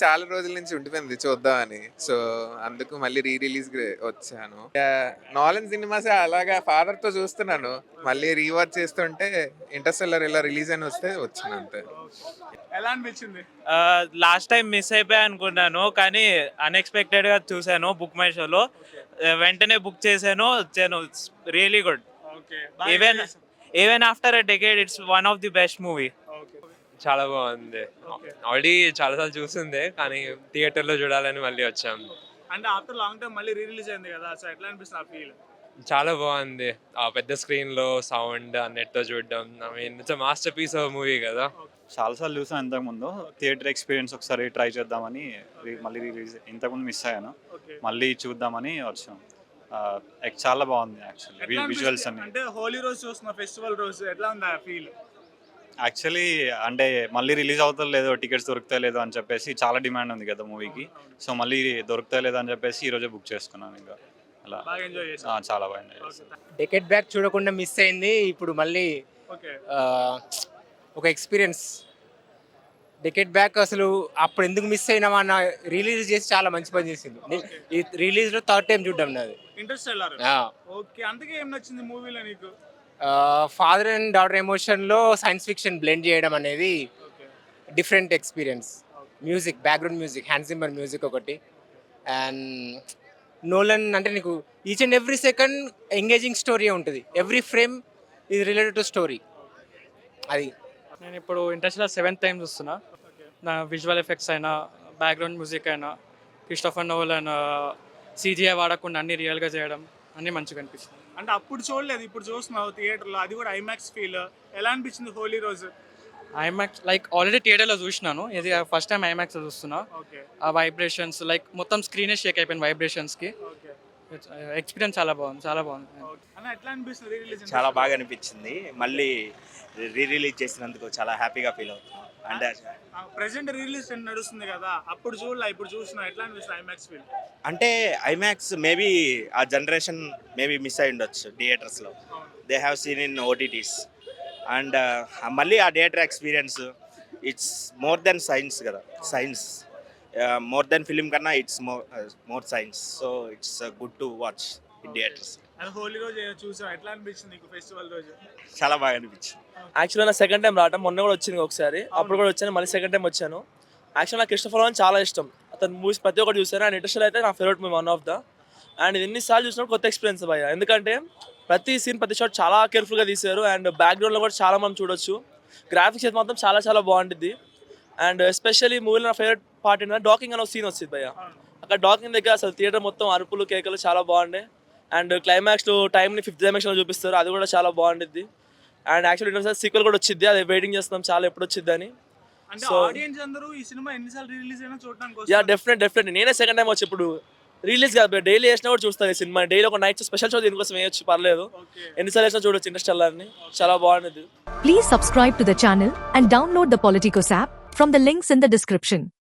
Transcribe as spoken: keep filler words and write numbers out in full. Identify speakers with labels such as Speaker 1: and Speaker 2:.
Speaker 1: చాలా రోజుల నుంచి ఉండిపోయింది చూద్దామని. సో, అందుకు మళ్ళీ రీ రిలీజ్‌కి వచ్చాను. యాహ్! 'నోలన్' సినిమాసే అలాగా ఫాదర్‌తో చూస్తున్నాను. మళ్ళీ రీవాచ్ చేస్తుంటే 'ఇంటర్‌స్టెల్లార్' ఇలా రిలీజ్ అని వస్తే వచ్చాను అంతే.
Speaker 2: ఎలా అనిపించింది?
Speaker 3: లాస్ట్ టైం మిస్ అయిపోయా అనుకున్నాను, కానీ అన్ఎక్స్పెక్టెడ్గా చూశాను బుక్ మై షోలో. వెంటనే బుక్ చేశాను, వచ్చాను. It's really good.
Speaker 2: Okay.
Speaker 3: Even even after a decade it's one of the best movie.
Speaker 2: Okay.
Speaker 4: చాలా బాగుంది. ఆల్రెడీ చాలాసార్లు చూసిందే, కానీ థియేటర్లో చూడాలని మళ్ళీ వచ్చాం.
Speaker 2: అంటే ఆఫ్టర్ లాంగ్ టైం మళ్ళీ రీ రిలీజ్ అయింది కదా, సో ఎట్లా అనిపిస్తుంది ఆ ఫీల్?
Speaker 4: చాలా బాగుంది. ఆ పెద్ద స్క్రీన్లో సౌండ్ అన్నిటితో చూడడం, I mean it's masterpiece of movie కదా.
Speaker 5: చాలాసార్లు చూసాను ఇంతకుముందు. థియేటర్ ఎక్స్పీరియన్స్ ఒకసారి ట్రై చేద్దామని రి- మళ్ళీ రిలీజ్ ఇంతకుముందు మిస్ అయ్యాను,
Speaker 2: ఓకే.
Speaker 5: మళ్ళీ చూద్దామని వచ్చాం. ఆ, ఎక్- చాలా బాగుంది యాక్చువల్లీ
Speaker 2: ఎట్లా
Speaker 5: విజువల్స్
Speaker 2: అనిపిస్తుంది?
Speaker 5: అన్ని.
Speaker 2: అంటే హోలీ రోజు చూస్తున్న ఫెస్టివల్ రోజు ఎట్లా ఉంది ఆ ఫీల్?
Speaker 5: యాక్చువల్లీ అంటే మళ్ళీ రిలీజ్ అవుతా లేదో, టికెట్స్ దొరుకుతా లేదో అని చెప్పేసి చాలా డిమాండ్ ఉంది కదా మూవీకి. సో మళ్ళీ దొరుకుతా లేదో అని చెప్పేసి ఈరోజే బుక్ చేసుకున్నాను. ఇంకా అలా
Speaker 2: బాగా ఎంజాయ్
Speaker 5: ఆ,
Speaker 2: చేశాను.
Speaker 5: చాలా బాగా enjoy చేశాను.
Speaker 2: ఓకే.
Speaker 6: డెకెట్ బ్యాక్ చూడకుండా మిస్ అయింది. ఇప్పుడు మళ్ళీ
Speaker 2: ఓకే.
Speaker 6: ఆ, ఒక ఎక్స్పీరియన్స్. డెకెట్ బ్యాక్ అసలు అప్పుడు ఎందుకు మిస్ అయినామా అన్న రిలీజ్ చేసి చాలా మంచి పని చేసింది. నే- ఈ రిలీజ్లో థర్డ్ టైం చూడడం నాది.
Speaker 2: ఇంటర్స్టెల్లార్. ఓకే. అందుకే ఏం నచ్చింది మూవీలో నీకు?
Speaker 6: ఫాదర్ అండ్ డాటర్ ఎమోషన్లో సైన్స్ ఫిక్షన్ బ్లెండ్ చేయడం అనేది
Speaker 2: okay.
Speaker 6: Different experience. Music, background music, Hans Zimmer music ఒకటి. అండ్ నోలన్ అంటే నీకు each and every second engaging story ఉంటుంది. Every frame is related to story. అది
Speaker 7: నేను ఇప్పుడు ఇంటర్స్టెల్లార్ సెవెంత్ టైం చూస్తున్నా. నా విజువల్ ఎఫెక్ట్స్ అయినా, బ్యాక్గ్రౌండ్ మ్యూజిక్ అయినా, క్రిస్టోఫర్ నోలన్ సీజీఐ వాడకుండా అన్ని రియల్గా చేయడం అన్నీ మంచిగా అనిపిస్తుంది.
Speaker 2: అంటే అప్పుడు చూడలేదు, ఇప్పుడు చూస్తున్నావు థియేటర్లో, అది కూడా ఐమాక్స్ ఫీల్. ఎలా అనిపించింది హోలీ రోజు?
Speaker 7: ఐమాక్స్ లైక్ ఆల్రెడీ థియేటర్లో చూసినాను, ఇది ఫస్ట్ టైం ఐమాక్స్లో చూస్తున్నా.
Speaker 2: ఓకే.
Speaker 7: ఆ వైబ్రేషన్స్ లైక్ మొత్తం స్క్రీనే షేక్ అయిపోయింది వైబ్రేషన్స్కి.
Speaker 2: ఓకే.
Speaker 7: ఎక్స్పీరియన్స్ చాలా బాగుంది, చాలా బాగుంది.
Speaker 2: ఓకే. అన్న ఎట్లా అనిపిస్తుంది రీ రిలీజ్?
Speaker 8: చాలా బాగా అనిపించింది. మళ్ళీ రీ రిలీజ్ చేసినందుకు చాలా హ్యాపీగా ఫీల్ అవుతున్నాం. అంటే
Speaker 2: ప్రెసెంట్ రీ రిలీజ్ నడుస్తుంది కదా, అప్పుడు చూడలే, ఇప్పుడు చూసినా ఎట్లా అనిపిస్తుంది ఐమాక్స్ ఫీల్?
Speaker 8: అంటే ఐమాక్స్ మేబీ ఆ జనరేషన్ మేబీ మిస్ అయి ఉండొచ్చు థియేటర్స్లో. They have seen in OTTs. And మళ్ళీ ఆ theatre experience it's more than science కదా. సైన్స్ మోర్ దెన్ ఫిలిం కన్నా it's more more science. So it's good to watch in theatres.
Speaker 2: అది హోలీ రోజు చూసావు, ఎట్లా అనిపించింది నీకు ఫెస్టివల్ రోజు?
Speaker 8: చాలా బాగా అనిపించింది.
Speaker 3: యాక్చువల్గా నా సెకండ్ టైం రావటం, మొన్న కూడా వచ్చింది ఒకసారి, అప్పుడు కూడా వచ్చాను, మళ్ళీ సెకండ్ టైం వచ్చాను. యాక్చువల్ నాకు క్రిస్టోఫర్ నోలన్ చాలా ఇష్టం. అతను మూవీస్ ప్రతి ఒక్కటి చూసాను. అండ్ ఇంటర్స్టెల్లార్ అయితే నా favourite movie, one of the. And ఇది ఎన్నిసార్లు చూసినప్పుడు కొత్త ఎక్స్పీరియన్స్ భయ్య, ఎందుకంటే ప్రతి సీన్, ప్రతి షాట్ చాలా కేర్ఫుల్గా తీశారు. అండ్ బ్యాక్గ్రౌండ్లో కూడా చాలా మనం చూడొచ్చు. గ్రాఫిక్స్ అయితే మాత్రం చాలా చాలా బాగుంటుంది. అండ్ ఎస్పెషల్లీ మూవీలో నా ఫేవరెట్ పార్ట్ ఏంటంటే డాకింగ్ అనే సీన్ వచ్చింది భయ్య. అక్కడ డాకింగ్ దగ్గర అసలు థియేటర్ మొత్తం అరుపులు, కేకలు చాలా బాగున్నాయి. అండ్ క్లైమాక్స్లో టైంని ఫిఫ్త్ డైమెన్షన్లో చూపిస్తారు, అది కూడా చాలా బాగుంటుంది. అండ్ యాక్చువల్లీ ఇంటర్స్టెల్లార్ సీక్వెల్ కూడా వచ్చింది, అది వెయిటింగ్ చేస్తున్నాం చాలా ఎప్పుడు వచ్చింది అని.
Speaker 2: అంటే
Speaker 3: So-
Speaker 2: ఆడియన్స్ అందరూ ఈ సినిమా ఎన్నిసార్లు రిలీజ్ అయినా చూడడానికి
Speaker 3: యా
Speaker 2: వస్తారు.
Speaker 3: డెఫినెట్ డెఫినెట్ నేనే సెకండ్ టైం వచ్చి ఇప్పుడు రిలీజ్ కాదు, డైలీ వేసినా కూడా చూస్తాను ఈ సినిమా. డైలీ ఒక నైట్ స్పెషల్ షో దీనికోసం వేయొచ్చు, పర్లేదు.
Speaker 2: ఓకే.
Speaker 3: ఎన్నిసార్లు వేసినా చూడొచ్చు ఇంటర్స్టెల్లార్ని, చాలా బాగుంటుంది.
Speaker 9: Please subscribe to the channel and download the Politicos app from the links in the description.